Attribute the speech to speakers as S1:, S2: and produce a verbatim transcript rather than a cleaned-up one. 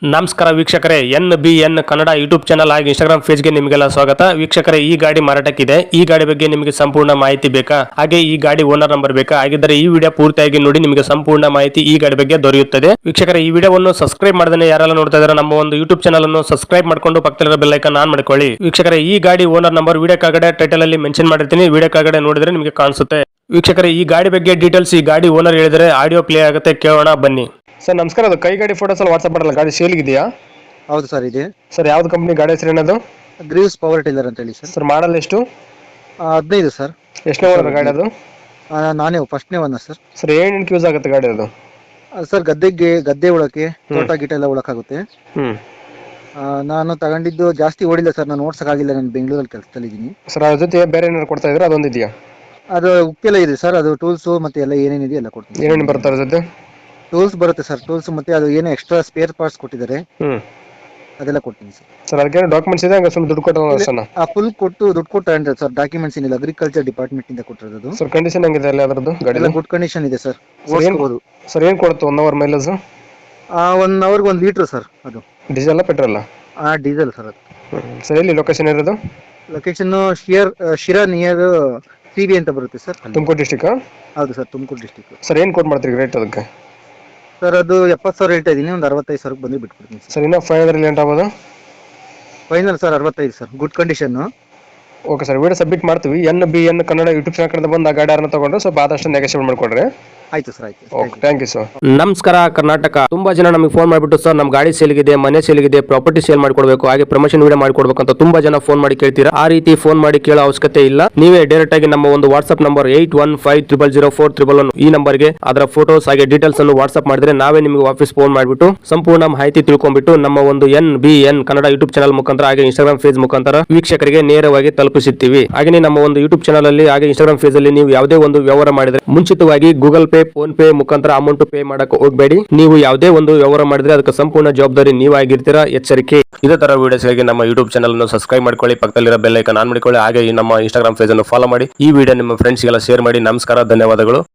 S1: ನಮಸ್ಕಾರ ವೀಕ್ಷಕರೇ, N B N Kannada YouTube channel ಹಾಗೆ ಇನ್ಸ್ಟಾಗ್ರಾಮ್ ಪೇಜ್ಗೆ ನಿಮಗೆಲ್ಲ ಸ್ವಾಗತ. ವೀಕ್ಷಕರೇ, ಈ ಗಾಡಿ ಮಾರಾಟಕ್ಕಿದೆ. ಈ ಗಾಡಿ ಬಗ್ಗೆ ನಿಮಗೆ ಸಂಪೂರ್ಣ ಮಾಹಿತಿ ಬೇಕಾ, ಹಾಗೆ ಈ ಗಾಡಿ ಓನರ್ ನಂಬರ್ ಬೇಕಾ? ಹಾಗಿದ್ದರೆ ಈ ವಿಡಿಯೋ ಪೂರ್ತಿಯಾಗಿ ನೋಡಿ, ನಿಮಗೆ ಸಂಪೂರ್ಣ ಮಾಹಿತಿ ಈ ಗಾಡಿ ಬಗ್ಗೆ ದೊರೆಯುತ್ತದೆ. ವೀಕ್ಷಕರೇ, ಈ ವಿಡಿಯೋವನ್ನು ಸಬ್ಸ್ಕ್ರೈಬ್ ಮಾಡದೇ ಯಾರೆಲ್ಲ ನೋಡ್ತಾ ಇದ್ದಾರೆ ನಮ್ಮ ಒಂದು ಯೂಟ್ಯೂಬ್ ಚಾನಲ್ ಅನ್ನು ಸಬ್ಸ್ಕ್ರೈಬ್ ಮಾಡ್ಕೊಂಡು ಪಕ್ಕದಲ್ಲಿರೋ ಬೆಲ್ ಐಕಾನ್ ಆನ್ ಮಾಡ್ಕೊಳ್ಳಿ. ವೀಕ್ಷಕರೇ, ಈ ಗಾಡಿ ಓನರ್ ನಂಬರ್ ವಿಡಿಯೋ ಕೆಳಗಡೆ ಟೈಟಲ್ ಅಲ್ಲಿ ಮೆನ್ಷನ್ ಮಾಡಿರ್ತೀನಿ, ವಿಡಿಯೋ ಕೆಳಗಡೆ ನೋಡಿದ್ರೆ ನಿಮಗೆ ಕಾಣಿಸುತ್ತೆ. ವೀಕ್ಷಕರೇ, ಈ ಗಾಡಿ ಬಗ್ಗೆ ಡೀಟೇಲ್ಸ್ ಈ ಗಾಡಿ ಓನರ್ ಹೇಳಿದರೆ ಆಡಿಯೋ ಪ್ಲೇ ಆಗುತ್ತೆ, ಕೇಳೋಣ ಬನ್ನಿ. ಸರ್ ನಮಸ್ಕಾರ, ಅದು ಕೈ ಗಾಡಿ ಫೋಟೋಸ್ ಅಲ್ಲಿ ವಾಟ್ಸ್ಆಪ್ ಮಾಡಲ್ಲ, ಗಾಡಿ ಸೇಲ್ ಇದೆಯಾ?
S2: ಹೌದು ಸರ್, ಇದೆ
S1: ಸರ್. ಯಾವ್ದು ಕಂಪನಿ ಗಾಡಿ ಹೆಸರು ಏನದು?
S2: ಗ್ರೀವ್ಸ್ ಪವರ್ ಟಿಲ್ಲರ್ ಅಂತ ಹೇಳಿ ಸರ್.
S1: ಸರ್ ಮಾಡಲ್ ಎಷ್ಟು?
S2: ಆ, ಹದಿನೈದು ಸರ್.
S1: ಎಷ್ಟನೇ ಓನರ್ ಗಾಡಿ ಅದು?
S2: ಆ, ನಾನೇ ಫಸ್ಟ್ನೇ ಒನ್ ಸರ್.
S1: ಸರ್ ಏನೇನು ಯೂಸ್ ಆಗುತ್ತೆ ಗಾಡಿ ಅದು?
S2: ಆ, ಸರ್ ಗದ್ದೆಗೆ ಗದ್ದೆ ಉಳಕ್ಕೆ, ತೋಟ ಗಿಟ ಎಲ್ಲ ಉಳಕ್ಕಾಗುತ್ತೆ.
S1: ಹ್ಮ್
S2: ಆ, ನಾನು ತಗೊಂಡಿದ್ದು ಜಾಸ್ತಿ ಓಡಿಲ್ಲ ಸರ್, ನಾನು ಓಡ್ಸಕ್ಕಾಗಿಲ್ಲ, ನಾನು ಬೆಂಗಳೂರಲ್ಲಿ ಕೆಲಸದಲ್ಲಿ ಇದ್ದೀನಿ.
S1: ಸರ್ ಅದ್ರ ಜೊತೆ ಬೇರೆ ಏನಾದ್ರು ಕೊಡ್ತಾ ಇದ್ರೆ ಅದೊಂದು ಇದೆಯಾ?
S2: ಅದು ಉಕ್ಕೆಲ್ಲ ಇದೆ ಸರ್, ಅದು ಟೂಲ್ಸು ಮತ್ತೆ ಎಲ್ಲ ಏನೇನಿದೆ ಎಲ್ಲ ಕೊಡ್ತೀನಿ.
S1: ಏನೇನು ಬರ್ತಾರೆ ಜೊತೆ?
S2: ಟೂಲ್ಸ್ ಬರುತ್ತೆ ಸರ್, ಟೂಲ್ಸ್ ಮತ್ತೆ ಅದು ಏನೋ ಎಕ್ಸ್ಟ್ರಾ ಸ್ಪೇರ್ ಪಾರ್ಟ್ಸ್ ಕೊಟ್ಟಿದ್ದಾರೆ,
S1: ಹ್ಮ್
S2: ಅದೆಲ್ಲ ಕೊಡ್ತೀನಿ ಸರ್.
S1: ಸರ್ ಅದಕ್ಕೆ ಡಾಕ್ಯುಮೆಂಟ್ಸ್ ಇದೆ, ಹಂಗ ಸ್ವಲ್ಪ ದುಡ್ಡು ಕೊಟ್ಟಲ್ಲ?
S2: ಆ ಫುಲ್ ಕೊಟ್ಟು ದುಡ್ಡು ಕೊಟ್ಟು ತಗೊಂಡ್ರೆ ಸರ್, ಡಾಕ್ಯುಮೆಂಟ್ಸ್ ಏನಿಲ್ಲ, ಅಗ್ರಿಕಲ್ಚರ್ ಡಿಪಾರ್ಟ್ಮೆಂಟ್ ಇಂದ ಕೊಟ್ಟಿರೋದು.
S1: ಸರ್ ಕಂಡೀಷನ್ ಹೆಂಗಿದೆ ಅಲ್ಲಿ ಅದರದ್ದು ಗಾಡಿ?
S2: ಎಲ್ಲ ಗುಡ್ ಕಂಡೀಷನ್ ಇದೆ ಸರ್,
S1: ಸರ್ ಏನು
S2: ಓಡಿಸ್ಬೋದು.
S1: ಸರ್ ಏನು ಕೊಡುತ್ತೆ ಒನ್ ಅವರ್ ಮೈಲೇಜ್?
S2: ಒನ್ ಅವರ್ಗೆ ಒಂದು ಲೀಟ್ರ್ ಸರ್. ಅದು
S1: ಡೀಸೆಲ್ ಪೆಟ್ರೋಲ್?
S2: ಆ ಡೀಸೆಲ್ ಸರ್. ಅದು
S1: ಸರ್ ಎಲ್ಲಿ ಲೊಕೇಶನ್ ಇರೋದು?
S2: ಲೊಕೇಶನ್ ಶಿಯರ್ ಶಿರಾ ನಿಯರ್ ಸಿ ಬಿ ಅಂತ ಬರುತ್ತೆ ಸರ್.
S1: ತುಮಕೂರು ಡಿಸ್ಟಿಕ್?
S2: ಹೌದು ಸರ್, ತುಮಕೂರು ಡಿಸ್ಟಿಕ್.
S1: ಸರ್ ಏನು ಕೊಟ್ಟು ಮಾಡ್ತೀರಿ ರೇಟ್ ಅದಕ್ಕೆ?
S2: ಸರ್ ಅದು ಎಪ್ಪತ್ತು ಸಾವಿರ ಹೇಳ್ತಾ ಇದ್ದೀನಿ, ಒಂದು ಅರವತ್ತೈದು ಸಾವಿರಕ್ಕೆ ಬಂದು ಬಿಟ್ಬಿಡ್ತೀನಿ ಸರ್.
S1: ಸರ್ ಇನ್ನೂ ಫೈವ್ ಹಂಡ್ರೆಡ್ ಲೇಟ್ ಆಗ್ಬೋದು?
S2: ಫೈನಲ್ ಸರ್ ಅರವತ್ತೈದು sir, good condition.
S1: Okay sir, video submit ಮಾಡ್ತೀವಿ. N B N Kannada YouTube channel ಕಡೆ ಬಂದು ಆ ಗಾಡಿ ಯಾರನ್ನ ತಗೊಂಡ್ರೆ ಸ್ವಲ್ಪ ಆದಷ್ಟು ನೆಗೋಷಿಯೇಟ್ ಮಾಡ್ಕೊಡ್ರಿ.
S2: ಆಯ್ತು ಸರ್, ಆಯ್ತು.
S1: Okay, thank you sir.
S3: ನಮಸ್ಕಾರ ಕರ್ನಾಟಕ. ತುಂಬಾ ಜನ ನಮಗೆ ಫೋನ್ ಮಾಡಿಬಿಟ್ಟು ಸರ್ ನಮ್ಮ ಗಾಡಿ ಸೇಲ್ಗಿದೆ, ಮನೆ ಸೇಲ್ಗಿದೆ, ಪ್ರಾಪರ್ಟಿ ಸೇಲ್ ಮಾಡ್ಕೊಡ್ಬೇಕು, ಹಾಗೆ ಪ್ರಮೋಷನ್ ವಿಡಿಯೋ ಮಾಡ್ಕೊಡ್ಬೇಕು ಅಂತ ತುಂಬಾ ಜನ ಫೋನ್ ಮಾಡಿ ಕೇಳ್ತೀರಾ. ಆ ರೀತಿ ಫೋನ್ ಮಾಡಿ ಕೇಳೋ ಅವಶ್ಯಕತೆ ಇಲ್ಲ. ನೀವೇ ಡೈರೆಕ್ಟ್ ಆಗಿ ನಮ್ಮ ಒಂದು WhatsApp number eight one five triple zero four triple one ಈ ನಂಬರ್ಗೆ ಅದರ ಫೋಟೋಸ್ ಹಾಗೆ ಡೀಟೇಲ್ಸ್ ಅನ್ನು ವಾಟ್ಸ್ಆಪ್ ಮಾಡಿದ್ರೆ ನಾವೇ ನಿಮಗೆ ವಾಪಸ್ ಫೋನ್ ಮಾಡಿಬಿಟ್ಟು ಸಂಪೂರ್ಣ ಮಾಹಿತಿ ತಿಳ್ಕೊಂಡ್ಬಿಟ್ಟು ನಮ್ಮ ಒಂದು N B N Kannada YouTube channel ಮುಖಾಂತರ ಹಾಗೆ ಇನ್ಸ್ಟಾಗ್ರಾಮ್ ಪೇಜ್ ಮುಖಾಂತರ ವೀಕ್ಷಕರಿಗೆ ನೇರವಾಗಿ ತಲುಪಿಸುತ್ತೀವಿ. ಹಾಗೆ ನಮ್ಮ ಒಂದು ಯೂಟ್ಯೂಬ್ ಚಾನಲ್ ಅಲ್ಲಿ ಹಾಗೆ ಇನ್ಸ್ಟಾಗ್ರಾಮ್ ಪೇಜ್ ಅಲ್ಲಿ ನೀವು ಯಾವುದೇ ಒಂದು ವ್ಯವಹಾರ ಮಾಡಿದ್ರೆ ಮುಂಚಿತವಾಗಿ ಗೂಗಲ್ ಪೇ, ಫೋನ್ ಪೇ ಮುಖಾಂತರ ಅಮೌಂಟ್ ಪೇ ಮಾಡಕ್ಕೆ ಹೋಗಬೇಡಿ. ನೀವು ಯಾವುದೇ ಒಂದು ವ್ಯವಹಾರ ಮಾಡಿದ್ರೆ ಅದಕ್ಕೆ ಸಂಪೂರ್ಣ ಜವಾಬ್ದಾರಿ ನೀವಾಗಿರ್ತೀರಾ, ಎಚ್ಚರಿಕೆ. ಇದೇ ತರ ವಿಡಿಯೋಸ್ಗಾಗಿ ನಮ್ಮ ಯೂಟ್ಯೂಬ್ ಚಾನಲ್ ಅನ್ನು ಸಬ್ಸ್ಕ್ರೈಬ್ ಮಾಡ್ಕೊಳ್ಳಿ, ಪಕ್ಕದಲ್ಲಿರೋ ಬೆಲ್ ಐಕಾನ್ ಆನ್ ಮಾಡಿಕೊಳ್ಳಿ, ಹಾಗೆ ನಮ್ಮ ಇನ್ಸ್ಟಾಗ್ರಾಮ್ ಪೇಜ್ ಅನ್ನು ಫಾಲೋ ಮಾಡಿ. ಈ ವಿಡಿಯೋ ನಿಮ್ಮ ಫ್ರೆಂಡ್ಸ್ಗೆಲ್ಲ ಶೇರ್ ಮಾಡಿ. ನಮಸ್ಕಾರ, ಧನ್ಯವಾದಗಳು.